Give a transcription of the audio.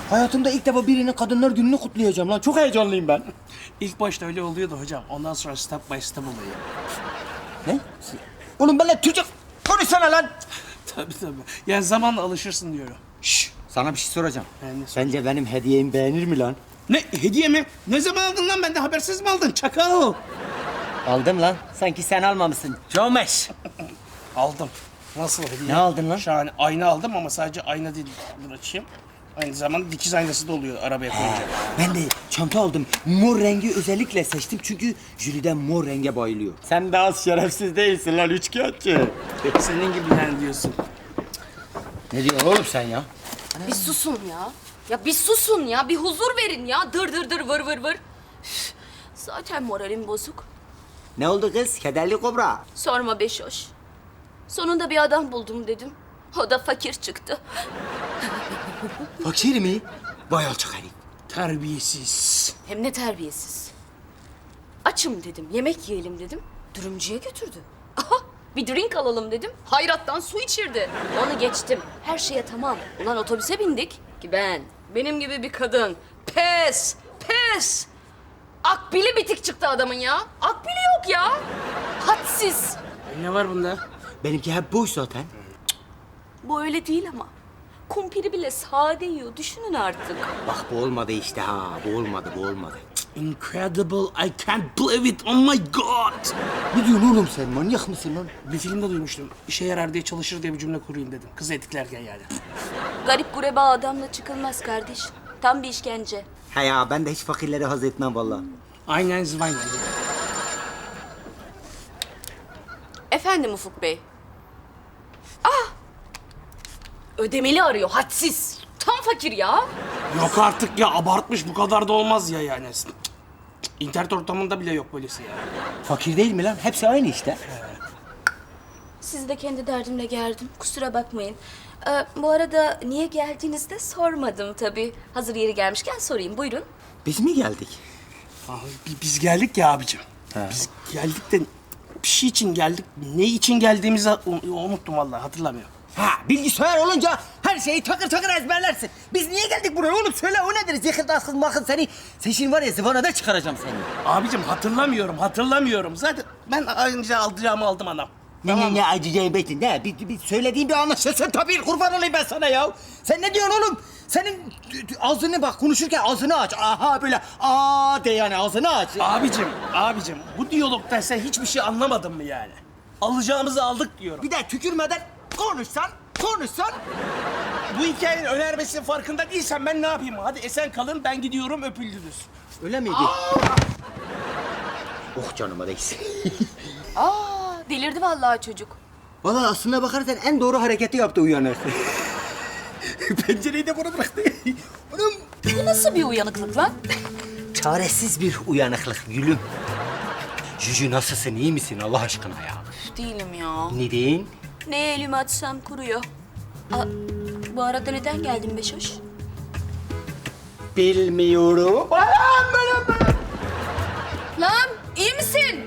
Hayatımda ilk defa birinin Kadınlar Günü'nü kutlayacağım lan. Çok heyecanlıyım ben. İlk başta öyle oluyordu hocam. Ondan sonra step by step oluyor. Ne? Oğlum benimle Türkçe konuşsana lan. Tabii. Yani zamanla alışırsın diyorum. Şşş, sana bir şey soracağım. Ne Sence benim hediyemi beğenir mi lan? Ne hediye mi? Ne zaman aldın lan? Benden habersiz mi aldın? Çakal. Aldım lan. Sanki sen almamışsın. Comeş. Aldım. Nasıl hediye? Ne aldın lan? Şahane. Ayna aldım ama sadece ayna değil. Dur açayım. Aynı zamanda dikiz aynası da oluyor arabaya koyunca. Ben de çanta aldım. Mor rengi özellikle seçtim çünkü Jüliden mor renge bayılıyor. Sen de az şerefsiz değilsin lan üçkağıtçı. Senin gibi yani diyorsun. Ne diyorsun oğlum sen ya? Bir susun ya. Ya bir susun ya. Bir huzur verin ya. Dır dır dır vır vır vır. Üf, zaten moralim bozuk. Ne oldu kız? Kederli kobra. Sorma Beşoş. Sonunda bir adam buldum dedim. O da fakir çıktı. Fakir mi? Vay alçak herif. Terbiyesiz. Hem ne terbiyesiz. Açım dedim. Yemek yiyelim dedim. Dürümcüye götürdü. Aha, bir drink alalım dedim. Hayrattan su içirdi. Onu geçtim. Her şeye tamam. Ulan otobüse bindik ki benim gibi bir kadın. Pes. Akbili bitik çıktı adamın ya. Akbili yok ya. Hadsiz. Ne var bunda? Benimki hep boş zaten. Bu öyle değil ama. Kumpiri bile sade yiyor. Düşünün artık. Bak bu olmadı işte ha. Bu olmadı. Incredible. I can't believe it. Oh my god. Ne diyorsun oğlum sen? Manyak mısın lan? Bir filmde duymuştum. İşe yarar diye çalışır diye bir cümle kurayım dedim. Kızı etiklerken yani. Garip gureba adamla çıkılmaz kardeş. Tam bir işkence. He ya ben de hiç fakirleri haz etmem vallahi. Aynen zıvayla. Efendim Ufuk Bey. Ah! Ödemeli arıyor, hadsiz. Tam fakir ya. Yok artık ya, abartmış, bu kadar da olmaz ya yani. İnternet ortamında bile yok böylesi ya. Fakir değil mi lan? Hepsi aynı işte. Sizi de kendi derdimle geldim. Kusura bakmayın. Bu arada niye geldiğinizi de sormadım tabii. Hazır yeri gelmişken sorayım. Buyurun. Biz mi geldik? Biz geldik ya abicim. He. Biz geldik de bir şey için geldik. Ne için geldiğimizi unuttum vallahi, hatırlamıyorum. Ha bilgisayar olunca her şeyi takır takır ezberlersin. Biz niye geldik buraya oğlum? Söyle o nedir? Zihirdarsız makın seni. Sen şimdi var ya zıvanada çıkaracağım seni. Abicim hatırlamıyorum. Zaten ben önce alacağımı aldım anam. Ne acıcayı betin ne? Bir söylediğin bir anlaşılsın tabii kurban olayım ben sana ya. Sen ne diyorsun oğlum? Senin ağzını bak konuşurken ağzını aç. Aha böyle aa de yani ağzını aç. Abicim bu diyalogtan sen hiçbir şey anlamadın mı yani? Alacağımızı aldık diyorum. Bir de tükürmeden konuşsan. Bu hikayenin önermesinin farkında değilsen ben ne yapayım? Hadi esen kalın, ben gidiyorum, öpüldünüz. Öyle miydi? Oh canıma değsin. Delirdi vallahi çocuk. Vallahi aslına bakarsan en doğru hareketi yaptı uyanır. Pencereyi de bana bıraktı. Oğlum. Bu nasıl bir uyanıklık lan? Çaresiz bir uyanıklık gülüm. Cücü nasılsın, iyi misin Allah aşkına ya? Değilim ya. Neden? Neye elimi atsam kuruyor. Bu arada neden geldin Beşoş? Bilmiyorum. Lan iyi misin?